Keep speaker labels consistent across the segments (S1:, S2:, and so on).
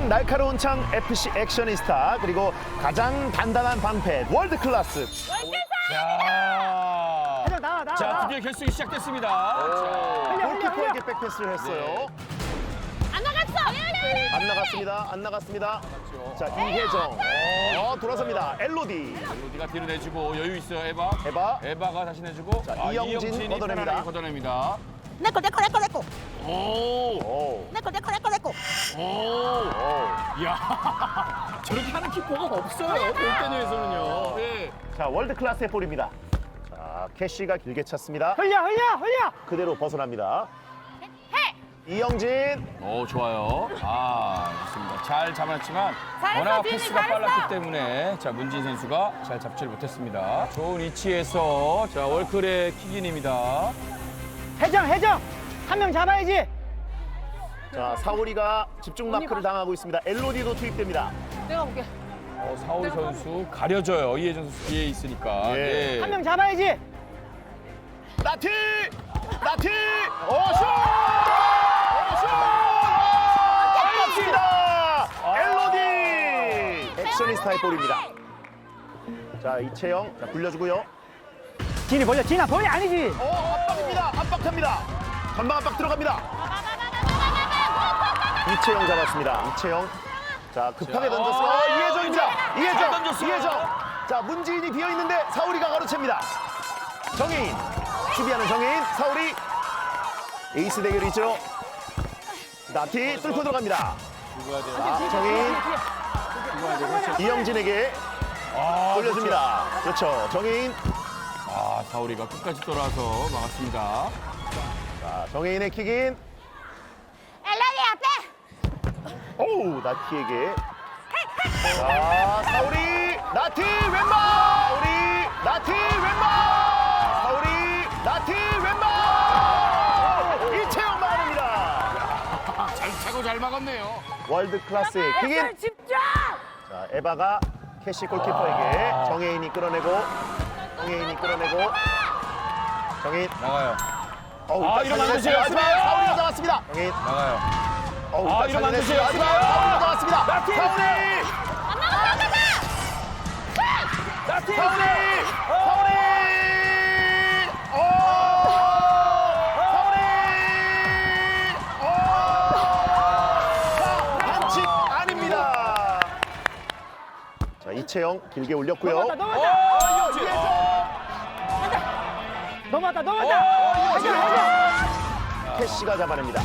S1: 가장 날카로운 창 FC 액션이스타 그리고 가장 단단한 방패 월드 클래스.
S2: 자, 드디어 결승이 시작됐습니다.
S1: 골키퍼에게 백패스를 했어요.
S3: 안 나갔어.
S1: 안 나갔습니다. 안 나갔습니다. 자, 이혜정. 돌아섭니다. 엘로디.
S2: 로디가 뒤로 내주고 여유 있어요, 에바. 에바가 다시 내주고.
S1: 자, 이영진이 걷어냅니다.
S2: 편안하게 걷어냅니다.
S3: 내꺼.
S2: 오.
S3: 내꺼.
S2: 이야. 저렇게 하는 키퍼가 없어요, 볼테니에서는요. 네.
S1: 자, 월드 클래스의 볼입니다. 자, 캐시가 길게 찼습니다.
S4: 흘려.
S1: 그대로 벗어납니다. 이영진.
S2: 오, 좋아요. 좋습니다. 잘 잡았지만
S3: 잘했어,
S2: 워낙
S3: 지은이,
S2: 패스가
S3: 잘했어.
S2: 빨랐기 때문에 자, 문진 선수가 잘 잡지를 못했습니다. 좋은 위치에서 자, 월클의 킥인입니다.
S4: 해정. 한 명 잡아야지.
S1: 자, 사오리가 집중 마크를 당하고 있습니다. 엘로디도 투입됩니다.
S3: 내가 볼게.
S2: 사오리 선수 가려져요. 이혜정 선수 뒤에 있으니까.
S1: 예.
S4: 한 명 잡아야지.
S1: 나티! 슛! 맞습니다. 엘로디! 액션이스타의 볼입니다. 자, 이채영. 자, 굴려주고요.
S4: 진이 벌려. 진아 벌려 아니지.
S1: 압박입니다. 압박합니다. 전방 압박 들어갑니다. 이채영 잡았습니다. 이채영. 자, 급하게
S2: 자,
S1: 던졌어요. 이혜정입니다.
S2: 잘 던졌어요.
S1: 이혜정. 자, 문지인이 비어 있는데 사우리가 가로챕니다. 정혜인. 수비하는 정혜인. 사우리. 에이스 대결이죠. 나티 뚫고 들어갑니다. 자, 정혜인. 이영진에게 돌려줍니다. 그렇죠. 정혜인.
S2: 사오리가 끝까지 돌아서 막았습니다.
S1: 자, 정혜인의 킥인.
S3: 엘라리 앞에.
S1: 오우, 나티에게. 자, 사우리. 나티 왼발. 사우리. 나티 왼발. 사우리. 나티 왼발. 이채영 막아냅니다.
S2: 잘 차고 잘 막았네요.
S1: 월드 클래스의 킥인.
S3: 집중.
S1: 자, 에바가 캐시 골키퍼에게 정혜인이 끌어내고 정혜인.
S2: 나가요.
S1: 어우,
S2: 이러면 안 되죠.
S1: 하지만 사우리가 잡았습니다. 정혜인.
S2: 나가요.
S1: 어우,
S2: 이러면 안 되죠.
S1: 하지만 사우리가 잡았습니다.
S2: 나티!
S1: 사우리.
S3: 안 나갔다.
S2: 나티!
S1: 사우리. 반칙 아닙니다. 자, 이채영 길게 올렸고요.
S4: 넘어갔다.
S1: 캐시가 잡아냅니다.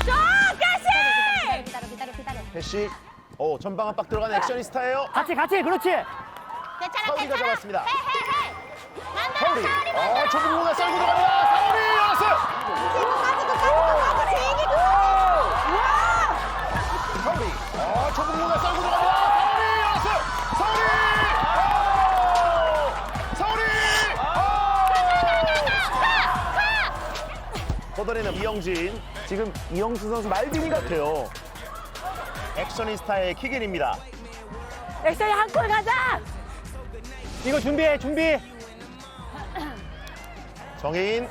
S3: 기다려.
S1: 캐시. 전방 압박 들어간 액션이스타예요.
S4: 같이. 그렇지.
S3: 괜찮아.
S1: 사우리가 잡았습니다.
S3: 해.
S1: 사우리. 좁은 공간 썰고 들어갑니다. 사우리 열었어요. 사우리. 좁은 공간 썰고 들어갑니다. 사우리 열었어요. 사우리. 걷어내는 이영진. 지금 이영수 선수 말빈이 같아요. 액션이스타의 킥인입니다.
S3: 액션이 한 골 가자.
S4: 이거 준비.
S1: 정혜인.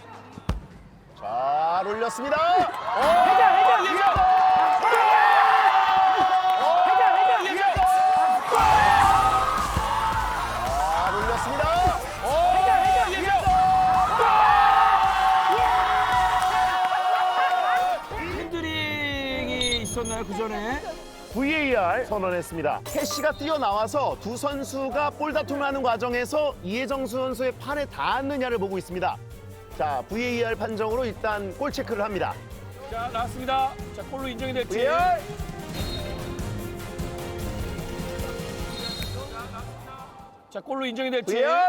S1: 잘 올렸습니다.
S4: 해정.
S1: 잘 올렸습니다.
S2: 핸드링이 있었나요, 그 전에?
S1: VAR 선언했습니다. 캐시가 뛰어나와서 두 선수가 볼 다툼을 하는 과정에서 이혜정 선수의 팔에 닿았느냐를 보고 있습니다. 자, VAR 판정으로 일단 골 체크를 합니다.
S2: 자, 나왔습니다. 자, 골로 인정이 될지.
S1: VAR.
S2: 자, 골로 인정이 될지.
S1: VAR.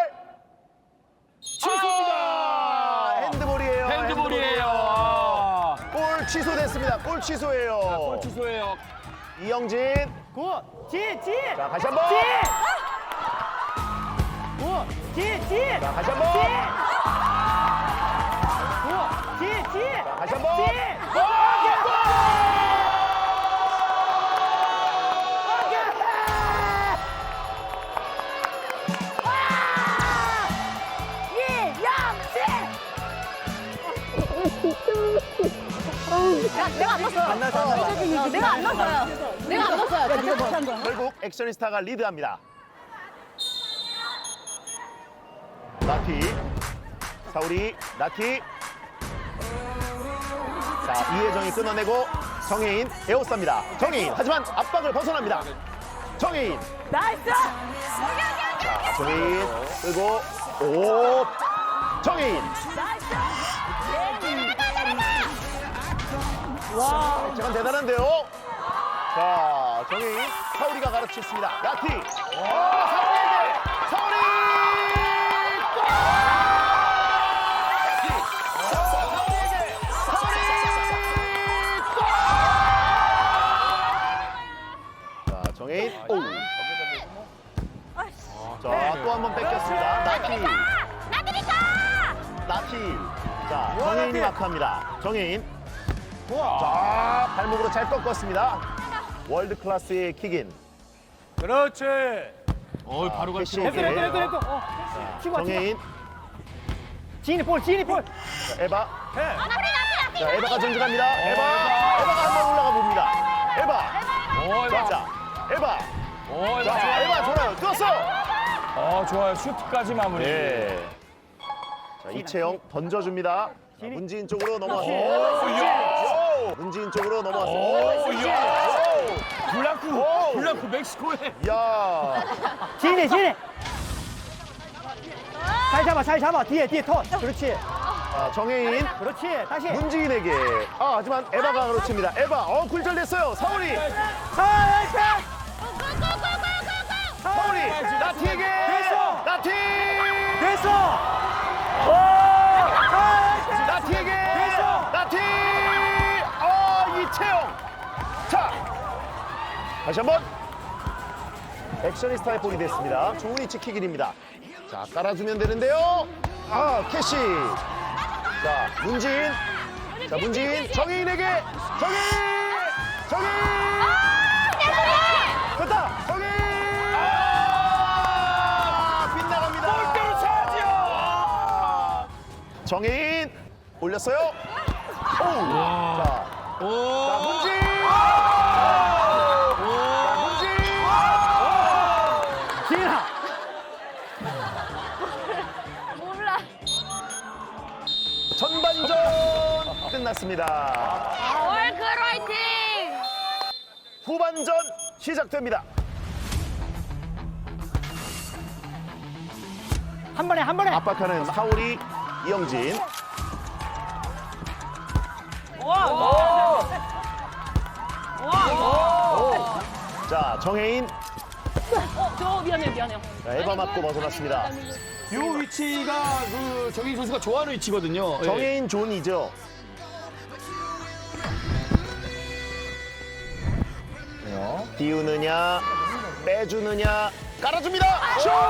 S2: 취소입니다.
S1: 핸드볼이에요.
S2: 핸드볼이에요.
S1: 골 취소됐습니다. 골 취소예요.
S2: 골 취소예요.
S1: 이영진.
S4: 굿. 진.
S1: 자, 다시 한번.
S4: 굿. 진.
S1: 자, 다시 한번.
S4: 굿. 진.
S1: 자, 다시 한번.
S3: 이영진. 내가 안 넣었어요. 내가 안 넣었어요. 내가 안 넣었어요.
S1: 결국 액션이스타가 리드합니다. 나티, 사우리, 나티. 자, 이혜정이 끊어내고 정혜인 에어쌉니다. 정혜인, 하지만 압박을 벗어납니다. 정혜인.
S3: 나이스.
S1: 자, 정혜인 끌고 오. 정혜인. 와, 제가 대단한데요. 자, 정혜인, 사우리가 가르쳤습니다. 나티. 사우리에게 사우리. 자, 정혜인. 오. 자, 또 한 번 뺏겼습니다. 나티.
S3: 나들이가.
S1: 나티. 자, 정혜인이 마크합니다. 정혜인. 자, 발목으로 잘 꺾었습니다. 월드 클래스의 킥인.
S4: 그렇지.
S2: 바로 갈
S1: 캐시.
S2: 필요
S4: 됐어, 됐어, 됐어, 됐어. 치고 와, 치고 와.
S1: 정혜인.
S4: 지인이 볼, 지인이 볼.
S1: 자, 에바.
S4: 해.
S1: 자, 에바가 전진합니다. 에바가 한 번 올라가 봅니다. 에바. 자, 에바. 자, 에바 좋아요. 떴어.
S2: 좋아요. 슈트까지 마무리.
S1: 네. 자, 이채영 던져줍니다. 자, 문지인 쪽으로 넘어왔어. 문지인 쪽으로 넘어왔어.
S2: 블랑크 멕시코에.
S1: 야.
S4: 지인이. 잘 잡아. 뒤에 터. 그렇지.
S1: 자, 정혜인.
S4: 그렇지. 다시.
S1: 문지인에게. 하지만 에바가 그렇습니다. 에바. 굴절됐어요. 사우리. 사우리. 나티에게.
S4: 됐어.
S1: 나티.
S4: 됐어.
S1: 나티에게.
S4: 됐어.
S1: 나티. 이채영. 자. 다시 한번. 액션이스타의 볼이 됐습니다. 좋은 위치 킥일입니다. 자, 깔아주면 되는데요. 캐시. 자, 문지인. 자, 문지인. 정혜인에게. 정혜인. 됐다. 정혜인. 빗나갑니다.
S2: 골대로 차지요.
S1: 정혜인. 올렸어요. 자, 문지인.
S4: 지인아.
S3: 몰라.
S1: 전반전 끝났습니다.
S3: 월클 화이팅.
S1: 후반전 시작됩니다.
S4: 한 번에.
S1: 압박하는 사오리, 이영진. 자, 정혜인.
S3: 저 미안해요.
S1: 자, 에바 맞고 벗어났습니다.
S2: 이 위치가 정인 선수가 좋아하는 위치거든요.
S1: 정혜인 존이죠. 띄우느냐, 빼주느냐, 깔아줍니다. 슛!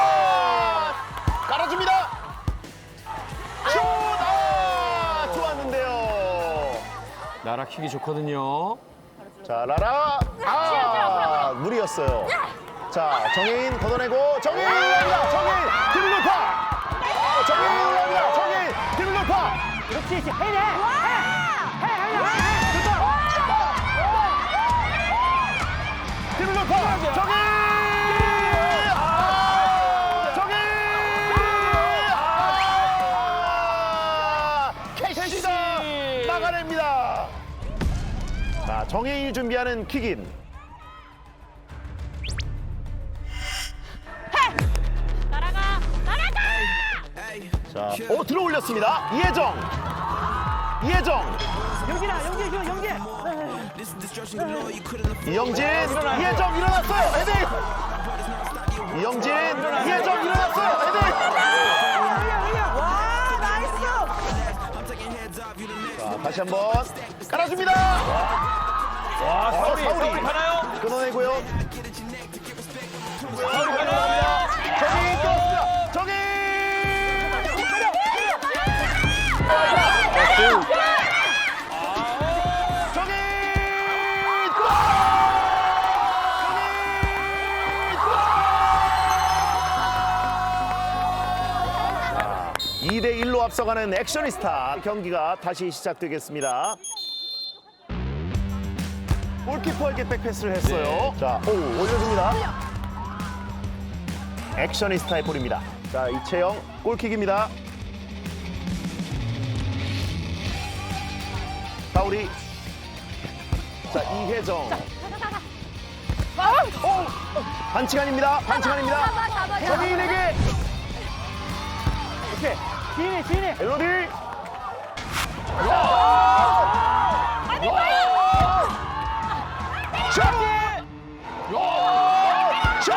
S1: 깔아줍니다. 슛! 좋았는데요.
S2: 나라 킥이 좋거든요.
S1: 자, 라라. 무리였어요. 자, 정혜인 걷어내고, 정혜인 올라옵니다. 정혜인, 드블 돌파. 정혜인 올라옵니다. 정혜인, 드블 돌파.
S4: 그렇지. 해내.
S1: 드블 돌파. 정혜인. 캐시가 막아냅니다. 자, 정혜인이 준비하는 킥인.
S3: 날아가.
S1: 자, 들어 올렸습니다. 이혜정.
S4: 영진.
S1: 이영진, 이혜정 일어났어요. 헤딩. 이영진, 이혜정 일어났어요. 헤딩.
S4: 와, 나이스.
S1: 자, 다시 한번 깔아줍니다.
S2: 사우리
S1: 사우리.
S2: 가나요?
S1: 끊어내고요.
S2: 사우리 가나요?
S1: 정인 떴습니다. 정인. 정인. 2대 1로 앞서가는 이동하는 액션이스타 경기가 다시 시작되겠습니다. 골키퍼에게 백패스를 했어요.
S2: 네.
S1: 자, 오, 올려줍니다. 액션이스타의 볼입니다. 자, 이채영 골킥입니다. 파울이. 자, 이혜정. 반칙 아닙니다. 반칙 아닙니다. 정혜인에게
S4: 오케이. 지인이.
S1: 멜로디. 슛! 슛!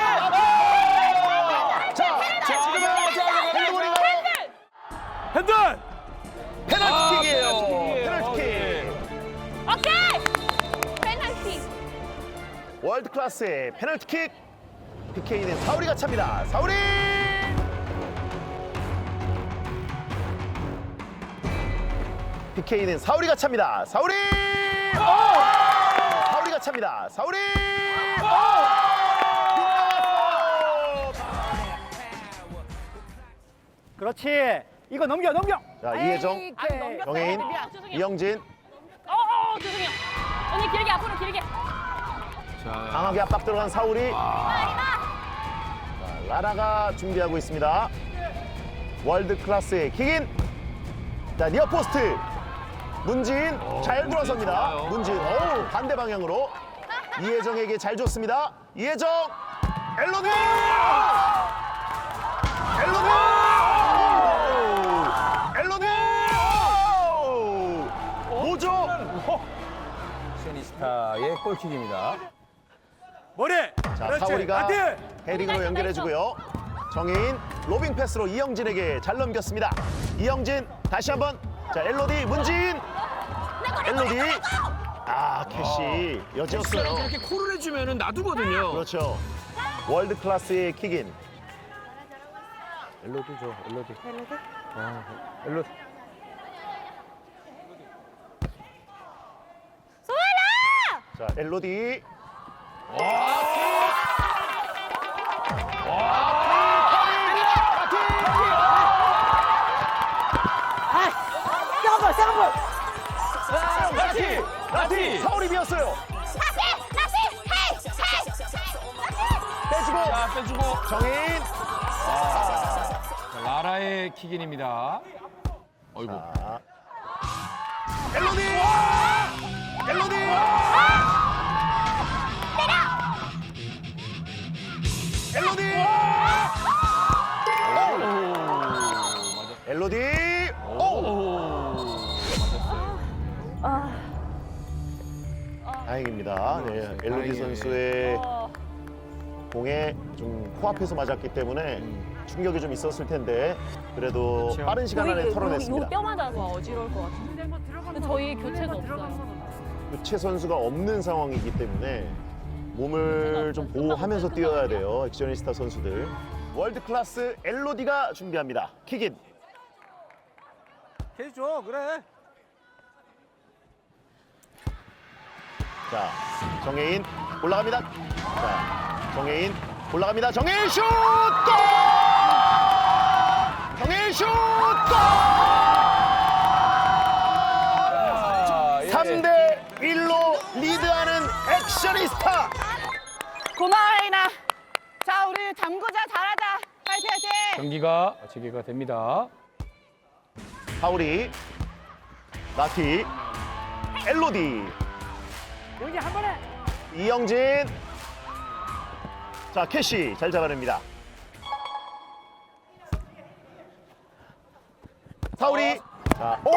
S1: 자, 지금은 핸드볼인가요?
S2: 핸들!
S1: 페널티킥이에요.
S2: 페널티킥이에요.
S1: 페널티킥.
S3: 오케이. 페널티.
S1: 월드 클래스의 페널티킥. PK는 사우리가 찹니다. 사우리! PK는 사우리가 찹니다. 사우리! 사우리가 찹니다. 사우리!
S4: 그렇지. 이거 넘겨.
S1: 자, 이혜정,
S3: 아니, 넘겼어요.
S1: 정혜인,
S3: 미안, 죄송해요.
S1: 이영진
S3: 죄송해요. 언니 길게 앞으로 길게.
S2: 자,
S1: 강하게 압박 들어간 사우리. 자, 라라가 준비하고 있습니다. 월드 클래스의 킥인. 자, 니어 포스트. 문진 잘 돌아섭니다.
S2: 좋아요.
S1: 문진, 어우, 반대 방향으로 이혜정에게 잘 줬습니다. 이혜정, 엘로디! 엘로디! 엘로디! 뭐죠?
S2: 액션이스타의 골킥입니다.
S5: 머리.
S1: 자,
S5: 그렇지.
S1: 사우리가
S5: 안돼.
S1: 헤딩으로 연결해주고요. 정혜인 로빙 패스로 이영진에게 잘 넘겼습니다. 이영진 다시 한번. 자, 엘로디, 문진. 엘로디. 아, 캐시 여지였어요.
S2: 이렇게 콜을 해주면 놔두거든요.
S1: 그렇죠. 월드 클래스의 킥인.
S2: 엘로디 줘, 엘로디. 엘로디.
S1: 자, 엘로디.
S2: 라티!
S1: 사울이 비었어요. 빼주고
S2: 자, 빼주고.
S1: 정혜인.
S2: 자, 라라의 킥인입니다. 어이구.
S1: 자, 엘로디. 엘로디. 엘로디. 엘로디. 오. 다행입니다. 네, 엘로디
S2: 다행이에요.
S1: 선수의 공에 좀 코앞에서 맞았기 때문에 충격이 좀 있었을 텐데 그래도
S2: 그렇죠.
S1: 빠른 시간 안에 털어냈습니다.
S3: 뼈 맞아서 어지러울 것 같은데. 근데 저희 교체가 없어요.
S1: 교체 선수가 없는 상황이기 때문에 몸을 좀 보호하면서 뛰어야 돼요. 액션이스타 선수들. 월드 클래스 엘로디가 준비합니다. 킥인.
S5: 해줘. 그래.
S1: 자, 정혜인 올라갑니다. 자, 정혜인 올라갑니다. 정혜인 슛! 골! 정혜인 슛! 골! 3대 1로 리드하는 액션이스타.
S3: 고마워, 혜인아. 자, 우리 잠그자 잘하자. 파이팅, 파이팅.
S2: 경기가 재개가 됩니다.
S1: 하울이, 나티, 엘로디,
S4: 여기 한 번에.
S1: 이영진. 자, 캐시 잘 잡아냅니다. 사울이. 자, 오!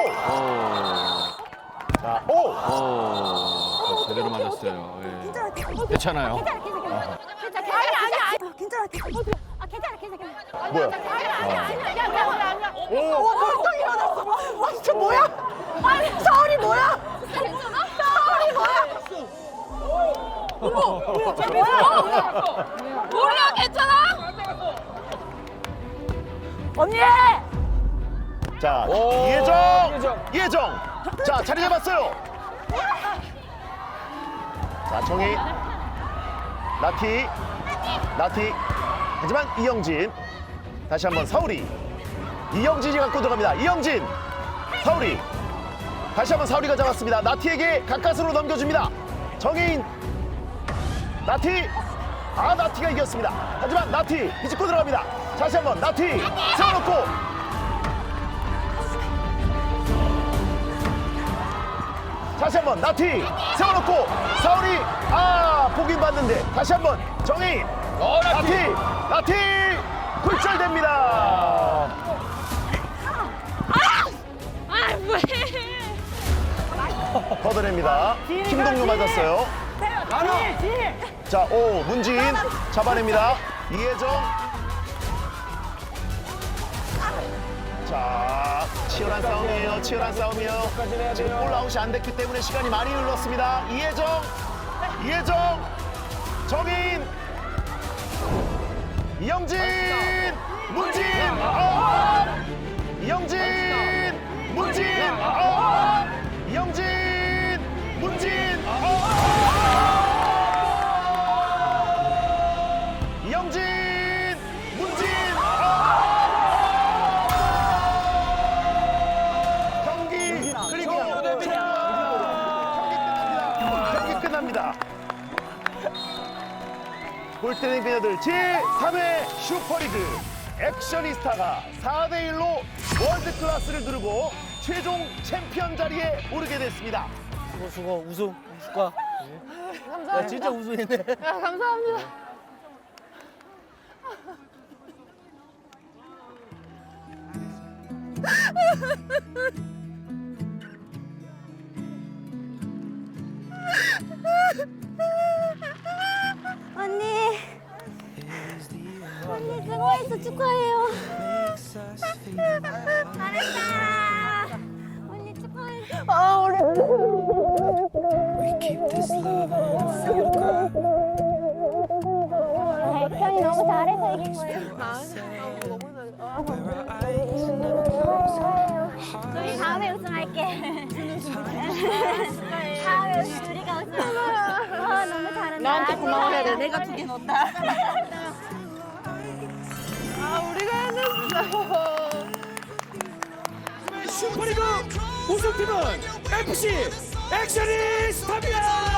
S1: 자, 오!
S2: 오, 제대로 맞았어요. 예. 괜찮아요.
S3: 괜찮아. 아니. 괜찮아. 괜찮아.
S1: 뭐야?
S3: 아니야.
S1: 오!
S3: 벌떡 일어났어. 와, 진짜 뭐야? 아니, 서울이 뭐야? 서울이 뭐야? 뭐야, 괜찮아? 언니!
S1: 자,
S2: 오,
S1: 이혜정! 이혜정! 자, 자리 잡았어요. 자, 정희. 나티. 하지만 이영진. 다시 한번 사울이. 이영진이 갖고 들어갑니다. 이영진, 사우리. 다시 한번 사우리가 잡았습니다. 나티에게 가까스로 넘겨줍니다. 정혜인, 나티. 나티가 이겼습니다. 하지만 나티 비집고 들어갑니다. 다시 한번 나티 세워놓고. 다시 한번 나티 세워놓고 사우리 보긴 봤는데 다시 한번 정혜인 나티 굴절됩니다.
S3: 뭐해?
S1: 걷어냅니다. 김동료 맞았어요. 자, 문진 잡아냅니다. 이혜정. 자, 치열한 싸움이에요. 치열한 싸움이에요. 지금 골아웃이 안 됐기 때문에 시간이 많이 흘렀습니다. 이혜정, 정인, 이영진, 문진, 이영진, 문진, 이영진, 문진, 이영진, 문진, 경기 그리고 경기 끝납니다. 골대는 그녀들 제3회 슈퍼리그 액션이스타가 4대1로 월드클래스를 누르고 최종 챔피언 자리에 오르게 됐습니다.
S5: 수고 우승 축하.
S3: 감사합니다.
S5: 야 진짜 우승했네.
S3: 야, 감사합니다. 언니. 언니 수고했어. 축하해요. 잘했다. 언니 축하해. 우리. 백현이 너무 잘해서 이긴 거예요. 우리 다음에 우승할게. 다음에 우리가 우승할게. 너무 잘한다. 나한테 고마워해야 돼. 내가 2개 넣었다. 우리가 해냈어.
S5: 슈퍼리그 우승팀은 FC 액션이스타입니다.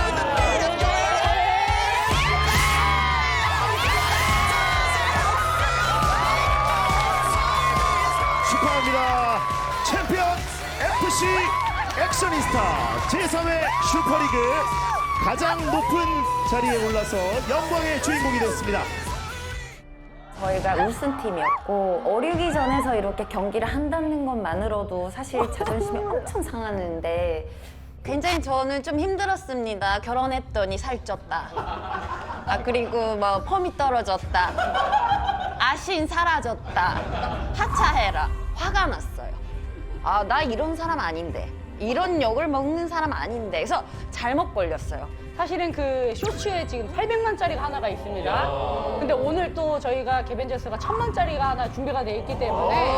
S1: 축하합니다. 챔피언 FC 액션이스타 제3회 슈퍼리그 가장 높은 자리에 올라서 영광의 주인공이 됐습니다.
S6: 저희가 우승팀이었고 어리기 전에서 이렇게 경기를 한다는 것만으로도 사실 자존심이 엄청 상하는데 굉장히 저는 좀 힘들었습니다. 결혼했더니 살쪘다. 그리고 뭐 펌이 떨어졌다. 아신 사라졌다. 하차해라. 화가 났어요. 나 이런 사람 아닌데. 이런 욕을 먹는 사람 아닌데. 그래서 잘못 걸렸어요.
S7: 사실은 그 쇼츠에 지금 800만짜리가 하나가 있습니다. 근데 오늘 또 저희가 개벤져스가 1000만짜리가 하나 준비가 돼 있기 때문에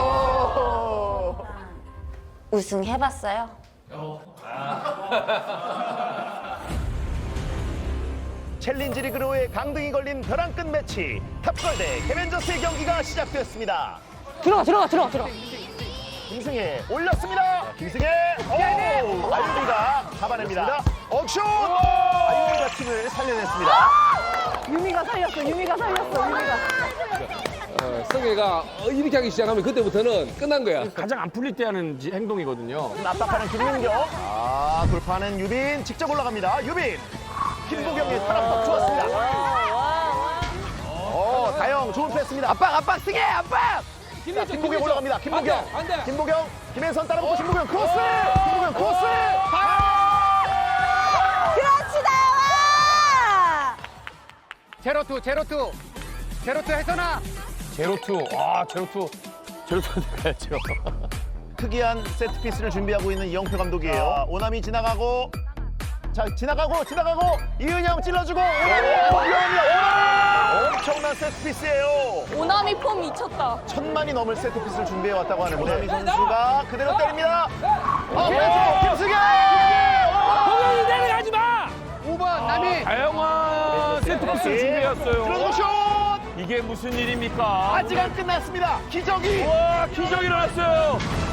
S6: 우승해봤어요.
S1: 챌린지 리그로의 강등이 걸린 벼랑 끝 매치 탑걸 대 개벤저스의 경기가 시작되었습니다.
S7: 들어가.
S1: 김승혜 올렸습니다. 김승혜 아유미가 잡아냅니다. 억슛 아유미가 팀을 살려냈습니다.
S3: 유미가 살렸어. 유미가.
S8: 성혜가 이렇게 하기 시작하면 그때부터는 끝난 거야.
S2: 가장 안 풀릴 때 하는 행동이거든요.
S1: 압박하는 김민경. 돌파하는 유빈 직접 올라갑니다. 유빈. 김보경의 타락도 좋았습니다. 다영 좋은 패스입니다. 압박 승혜 압박. 자, 김보경 올라갑니다. 김보경.
S8: 안 돼.
S1: 김보경. 김혜선 따라붙고 김보경 크로스. 김보경 크로스.
S3: 그렇지 나와.
S4: 제로투 혜선아.
S2: 제로투 가야죠.
S1: 특이한 세트피스를 준비하고 있는 이영표 감독이에요. 오남이 지나가고 지나가고 이은영 찔러주고 오남이 엄청난 세트피스예요.
S3: 오나미 폼 미쳤다.
S1: 1000만이 넘을 세트피스를 준비해왔다고 하는 오남이 선수가 그대로 때립니다. 그래서 김승현!
S8: 공연이 내려가지 마.
S4: 5번 남이.
S2: 다양한 세트피스를 준비해왔어요.
S1: 들어서 슛!
S2: 이게 무슨 일입니까?
S1: 아직 안 끝났습니다. 기적이
S2: 와, 기적이 일어났어요.